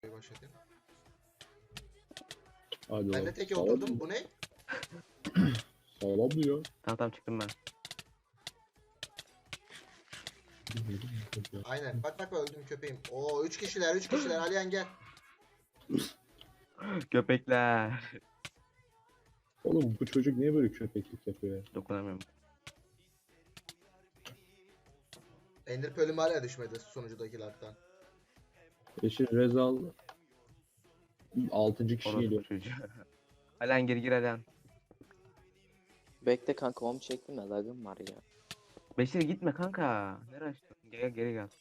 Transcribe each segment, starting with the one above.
Başlatayım. Hadi Ben de oğlum. teke Sağlam oturdum. mı? Bu ne? Sağlam mı ya? Tamam çıktım ben. Aynen. Bak öldüm köpeğim. Oo 3 kişiler 3 kişiler. Aliyan gel. Köpekler. Oğlum bu çocuk niye böyle köpeklik yapıyor ya? Dokunamıyorum. Ender Pearl'üm hala düşmedi sonuncudakilerden. Eşi Rezal 6. kişi Orası geliyor. çocuğu. Alen gir Alen. Bekle kanka onu çektim de lagım var ya. Beşir gitme kanka. Nereye açtın? Geri gel.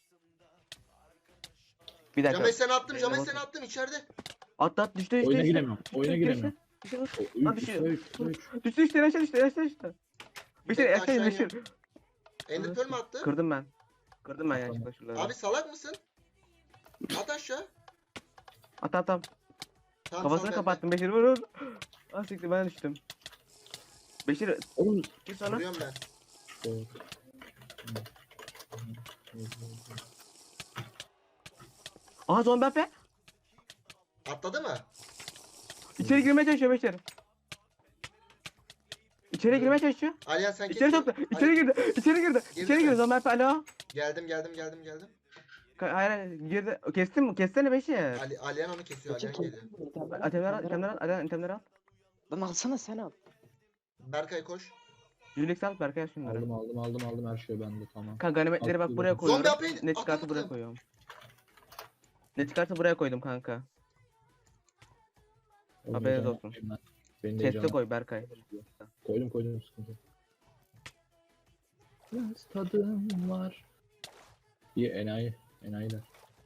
Bir dakika. James seni attım. Benim James de seni basın. attım içeride. At düştü Oyuna giremiyorum. Oyuna giremiyorum. Lan 3 düşüyor. 3 Düştü aşağı düştü. Beşir Bekle, aşağı aşağı Beşir. Ender Pearl mü attı? Kırdım ben. Kırdım ben yanlışlıkla şuraları. Abi salak mısın? At aşağı. At. Tamam, Kafasını sal bende. kapattım Beşir vur. Ah siktir ben düştüm. Beşir Oğlum gir sonra. Vuruyorum ben. Aha zombi ape. Atladı mı? İçeri girmeye çalışıyor Beşir. İçeri girmeye çalışıyor. Aliyan sen İçeri kesin. soktu. İçeri girdi. İçeri girdi. Girdi İçeri mi? girdi. Zombi ape alo. Geldim. Hayır girdi. Kestin mi? Kessene Beşir. Aliyan onu kesiyor. Aliyan geliyor. Itemleri al. Lan alsana sen al. Berkay koş. Yürülük al Berkay şunları. aldım her şey bende tamam. Kanka ganimetleri bak buraya Zombi koyuyorum. apeyi Ne çıkarsa buraya atamadım. koyuyorum. Ne çıkarsa buraya koydum kanka. Haberiniz olsun. Beni de Chest'e koy Berkay. Koydum sıkıntı. Biraz tadım var. İyi enayiler.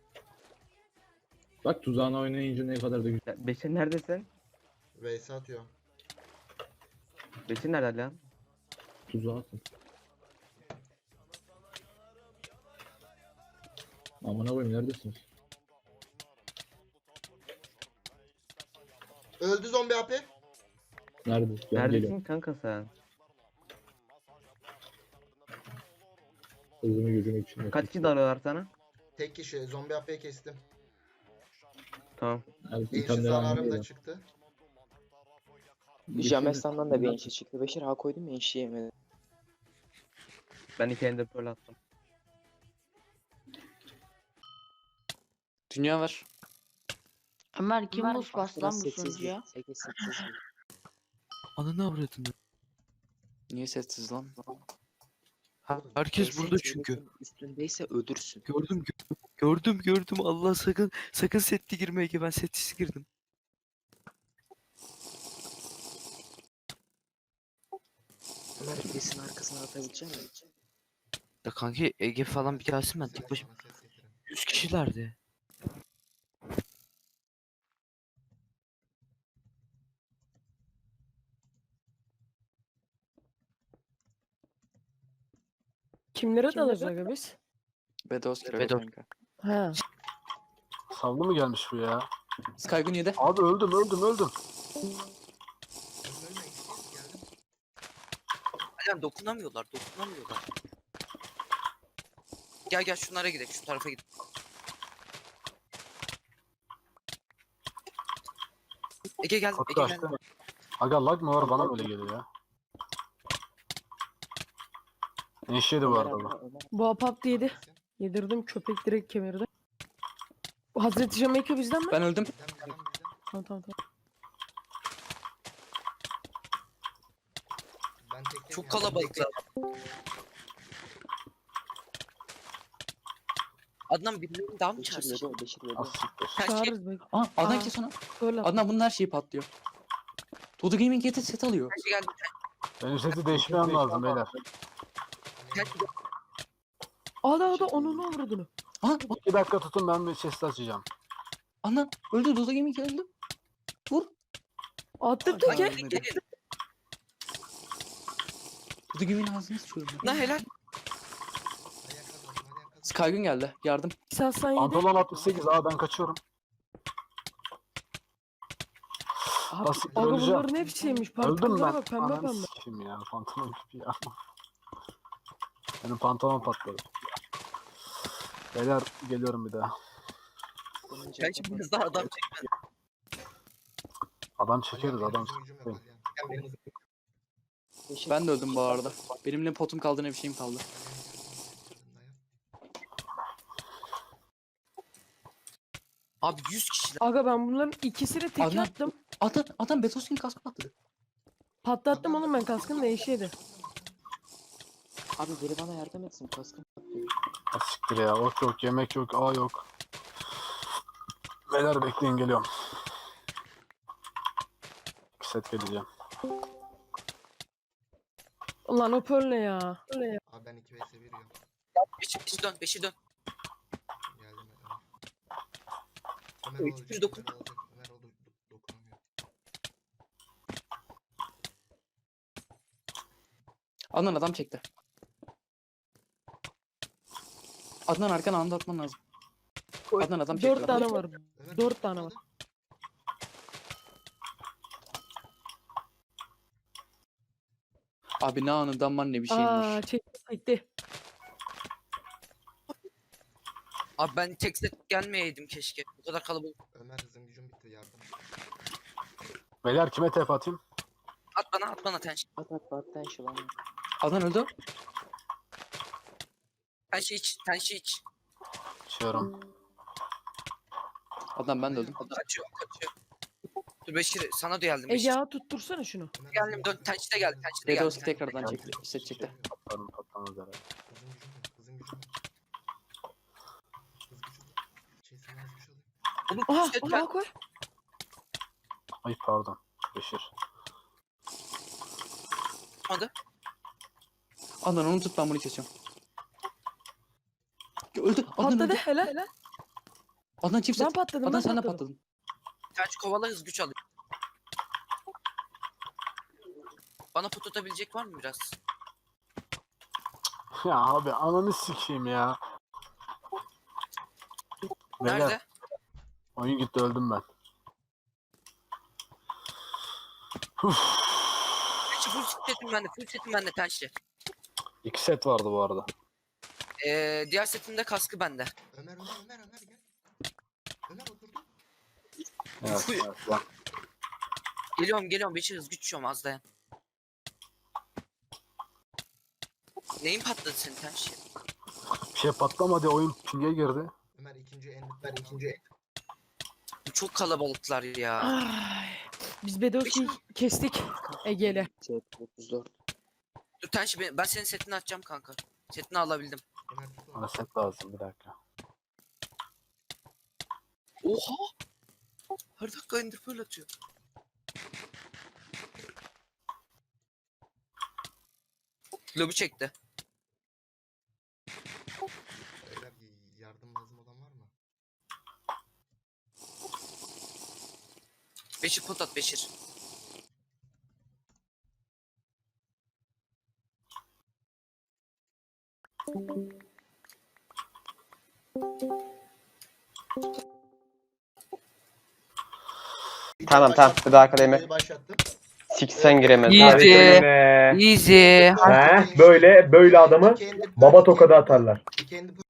Bak tuzağına oynayınca ne kadar da güzel. Ya, Beşir neredesin? Vs atıyor. Beşir nerede lan? Tuzağa atın. Amına koyayım neredesiniz? Öldü zombi AP. Nerede? Ben Neredesin geliyorum. kanka sen? Hızımı gücümü için. Kaç kişi darıyorlar sana? Tek kişi. Zombi AP'yi kestim. Tamam. Enşi zararım da çıktı. Jamestan'dan da bir enşi çıktı. Beşir ha koydum ya enşi yemedi. Ben iki ender pearl attım. Dünya var. Ömer kim buz bastı lan bu Sessiz sunucuya? sessiz. Ananı avradını. Niye sessiz lan? Oğlum, Herkes burada çünkü. Üstündeyse öldürsün. Gördüm. Allah sakın setli girme Ege. Ben setsiz girdim. Ömer birisinin arkasına atabilecek misin? Ya kanki Ege falan bir gelsin ben tek başıma. 100 kişilerdi. Kimlere dalacağız aga biz? Bedos kira Bedos. kanka. Ha. Savlı mı gelmiş bu ya? Skygun yedi. Abi öldüm. Aynen dokunamıyorlar. Gel şunlara gidelim. Şu tarafa gidelim. Ege gel. Kapı Ege gel. açtı. Aga lag mı var bana böyle geliyor ya. Enşiydi bu arada bu. Bu apap yedi. Yedirdim köpek direkt kemirdi. Bu Hazreti Jamaica bizden mi? Ben öldüm. Tamam. Çok kalabalıklar. Adnan birilerini daha mı Beşir çağırsın? yedi. Beşir yedi. Az siktir. Her şey Çağırırız belki. Aa Adnan Aa. kes onu. Böyle at. Adnan bunun her şeyi patlıyor. Dodo Gaming getir set alıyor. geldi. Benim seti değişmem lazım beyler. Ada onun ne vurdunu? Aha 2 dakika tutun ben bir chest açacağım. Adnan öldü. Dodo Gaming öldü. Vur. Attım Lan teke. gelin. Dodo Gaming'in ağzını sıçıyorum. Lan helal. Skygun geldi. Yardım. Sen yedi. Pantolon 68 ben kaçıyorum. Abi, Basit Aga öleceğim. bunların hepsiymiş. Öldüm Parkurlara ben. bak pembe Ananı pembe. sikeyim ya pantolon gibi ya. Benim pantolon patladı. Beyler geliyorum bir daha. Kanki biraz daha adam çekme. Adam çekeriz Alihan, adam. benim hızım gücüm yok Alihan. Ben de öldüm bu arada. Benim ne potum kaldı ne bir şeyim kaldı. Abi 100 kişiler. Aga ben bunların ikisini tek Adnan- attım. Adam Betoskin kaskı patladı. Patlattım oğlum ben kaskın değişiydi. Abi biri bana yardım etsin kaskım patlıyor. Ha, siktir ya. Ok yok, yemek yok, A yok. Beyler bekleyin geliyorum. 2 set geleceğim. Ulan o pearl ne ya? Abi ben 2 vs 1 yiyorum. Beşir dön, Beşir dön. Geldim Ömer. Ömer Üç, olacak. bir dokun. Ömer olacak. Ömer oldu. Dokunamıyor. Adnan adam çekti. Adnan arkana anda atman lazım. Adnan adam çekti. 4 tane var. Ömer 4 tane var. tutmadı. Abi ne anından var ne bir şeyim var. Aa çekti. Abi ben tek set gelmeyeydim keşke. Bu kadar kalabalık. Ömer hızım gücüm bitti yardım. Beyler kime tep atayım? At bana tenş. Adnan öldü. Tenşi iç. İçiyorum. Adnan ben de öldüm. Kaçıyor. Dur Beşir sana da geldim. Ege Beşir. ağa tuttursana şunu. Ömer Geldim hızım dön. gücüm Tenşi de geldi. Tenşi de geldi. Betoskin tekrardan çekti. Set çekti. Patlarım patlamaz herhalde. Hızım gücüm yok. Hızım gücüm yok. Hız gücüm yok. Sen az güç alayım. Oğlum Aha set ona koy. Ay pardon. Beşir. tutmadı. Adnan onu tut ben bunu kesiyorum. Öldü. Adnan Patladı öldü. helal. Adnan çift Ben set. patladım. Adnan Ben sen de patladım. patladın. Tenşi kovala hız güç alıyor. Bana pot atabilecek var mı biraz? Ya abi ananı sikeyim ya. Beyler Nerede? oyun gitti öldüm ben. Tenşi full setim bende. Full setim bende Tenşi. 2 set vardı bu arada. Diğer setimde kaskı bende. Ömer gel. Ömer oturdu. Evet, evet lan. Geliyorum Beşir hız güç yiyorum az dayan. Neyin patladı senin Tenşi? Bir şey patlamadı oyun ping'e girdi. Ömer ikinci en. Bu çok kalabalıklar ya. Ay. Biz Bedowski'yi kestik Ege'yle. Dur Tenşi ben senin setini atacağım kanka. Setini alabildim. Ömer tut onu. Bana set lazım bir dakika. Oha! Her dakika ender pearl atıyor. Lobi çekti. Beyler yardım lazım olan var mı? Beşir pot at Beşir. Tamam bir daha akademi. Videoyu başlattım. Siksen giremez. Easy. He, böyle adamı baba tokadı atarlar. Kendi